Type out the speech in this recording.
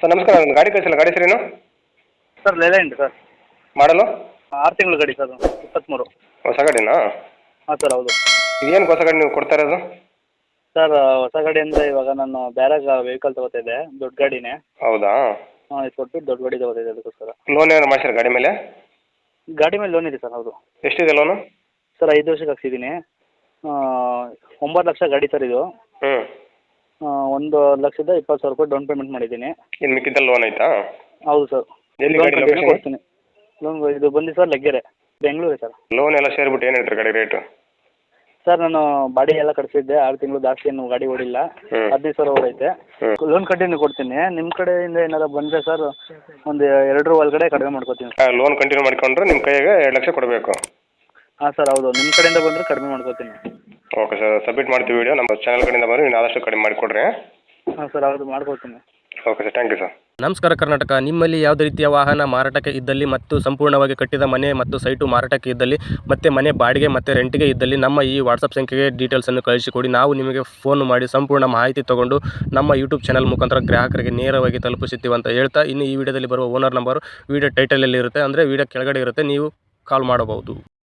Sir ನಮಸ್ಕಾರ, ಒಂದು ಗಾಡಿ ಕಳಿಸಿಲ್ಲ, ಗಾಡಿ ಹೆಸರೇನು? Sir Leyland sir. ಮಾಡಲು 6 ತಿಂಗಳ ಗಾಡಿ ಸರ್, 23. ಹೊಸ ಗಾಡಿನಾ? ಹಾಂ ಸರ್, ಹೌದು. ಏನು ಹೊಸ ಗಾಡಿ ನೀವು ಕೊಡ್ತಾ ಇರೋದು? ಸರ್ ಹೊಸ ಗಾಡಿ ಅಂದರೆ ಇವಾಗ ನಾನು ಬೇರೆ ವೆಹಿಕಲ್ ತೊಗೋತಿದ್ದೆ, ದೊಡ್ಡ ಗಾಡಿನೇ. ಹೌದಾ? ಹಾಂ, ಇದು ಕೊಟ್ಬಿಟ್ಟು ದೊಡ್ಡ ಗಾಡಿ ತೊಗೋತಿದ್ದೆ, ಅದಕ್ಕೋಸ್ಕರ. ಲೋನ್ ಏನಾರು ಮಾಡ್ಸಿರ ಗಾಡಿ ಮೇಲೆ? ಗಾಡಿ ಮೇಲೆ ಲೋನ್ ಇದೆ ಸರ್, ಹೌದು. ಎಷ್ಟಿದೆ ಲೋನು? ಸರ್ 5 ವರ್ಷಕ್ಕೆ ಹಾಕ್ಸಿದ್ದೀನಿ. 9 ಲಕ್ಷ ಗಾಡಿ ಸರ್ ಇದು. ಹ್ಞೂ. 1,20,000 ರೂಪಾಯಿ ಡೌನ್ ಪೇಮೆಂಟ್ ಮಾಡಿದ್ದೀನಿ. ಇನ್ನು ಮಿಕ್ಕಿದ್ದಲ್ಲಿ ಲೋನ್ ಆಯಿತಾ? ಹೌದು ಸರ್. ಎಲ್ಲಿ ಲೋನ್ ಗಾಡಿ ಕಂಟಿನ್ಯೂ ಲೊಕೇಶನ್? ಕೊಡ್ತೀನಿ. ಲೋನ್ ಇದು ಬಂದು sir Laggere, Bengaluru sir. Loan ಎಲ್ಲ ಸೇರಿಬಿಟ್ಟು ಏನು ಹೇಳ್ತೀರಿ ಗಾಡಿ ರೇಟು? ಸರ್ ನಾನು ಬಾಡಿ ಎಲ್ಲ ಕಳಿಸಿದ್ದೆ, 6 ತಿಂಗಳು ಜಾಸ್ತಿ ಏನು ಗಾಡಿ ಓಡಿಲ್ಲ. 15,000 ಓಡೈತೆ. ಲೋನ್ ಕಂಟಿನ್ಯೂ ಕೊಡ್ತೀನಿ. ನಿಮ್ಮ ಕಡೆಯಿಂದ ಏನಾರು ಬಂದರೆ ಸರ್ ಒಂದು 2 ಒಳಗಡೆ ಕಡಿಮೆ ಮಾಡ್ಕೊತೀನಿ. ಲೋನ್ ಕಂಟಿನ್ಯೂ ಮಾಡ್ಕೊಂಡ್ರೆ ನಿಮ್ಮ ಕೈಯಾಗೆ 2 ಲಕ್ಷ ಕೊಡಬೇಕು. ಹಾಂ ಸರ್, ಹೌದು. ನಿಮ್ಮ ಕಡೆಯಿಂದ ಬಂದರೆ ಕಡಿಮೆ ಮಾಡ್ಕೊತೀನಿ. ಓಕೆ ಸರ್, ಸಬ್ಮಿಟ್ ಮಾಡ್ತೀವಿ ವಿಡಿಯೋ. ನಮ್ಮ ಚಾನಲ್ ಕಡೆಯಿಂದ ಬಂದರೆ ನೀವು ಆದಷ್ಟು ಕಡಿಮೆ ಮಾಡಿಕೊಡ್ರಿ. ಹಾಂ ಸರ್, ಹೌದು, ಮಾಡ್ಕೊಡ್ತೀನಿ. Okay sir, thank you sir. ನಮಸ್ಕಾರ ಕರ್ನಾಟಕ. ನಿಮ್ಮಲ್ಲಿ ಯಾವುದೇ ರೀತಿಯ ವಾಹನ ಮಾರಾಟಕ್ಕೆ ಇದ್ದಲ್ಲಿ ಮತ್ತು ಸಂಪೂರ್ಣವಾಗಿ ಕಟ್ಟಿದ ಮನೆ ಮತ್ತು ಸೈಟು ಮಾರಾಟಕ್ಕೆ ಇದ್ದಲ್ಲಿ ಮತ್ತು ಮನೆ ಬಾಡಿಗೆ ಮತ್ತು ರೆಂಟಿಗೆ ಇದ್ದಲ್ಲಿ ನಮ್ಮ ಈ ವಾಟ್ಸಪ್ ಸಂಖ್ಯೆಗೆ ಡೀಟೇಲ್ಸನ್ನು ಕಳಿಸಿಕೊಡಿ. ನಾವು ನಿಮಗೆ ಫೋನ್ ಮಾಡಿ ಸಂಪೂರ್ಣ ಮಾಹಿತಿ ತೊಗೊಂಡು ನಮ್ಮ ಯೂಟ್ಯೂಬ್ ಚಾನಲ್ ಮುಖಾಂತರ ಗ್ರಾಹಕರಿಗೆ ನೇರವಾಗಿ ತಲುಪಿಸುತ್ತೀವಿ ಅಂತ ಹೇಳ್ತಾ, ಇನ್ನು ಈ ವಿಡಿಯೋದಲ್ಲಿ ಬರುವ ಓನರ್ ನಂಬರು ವಿಡಿಯೋ ಟೈಟಲಲ್ಲಿ ಇರುತ್ತೆ, ಅಂದರೆ ವಿಡಿಯೋ ಕೆಳಗಡೆ ಇರುತ್ತೆ, ನೀವು ಕಾಲ್ ಮಾಡಬಹುದು.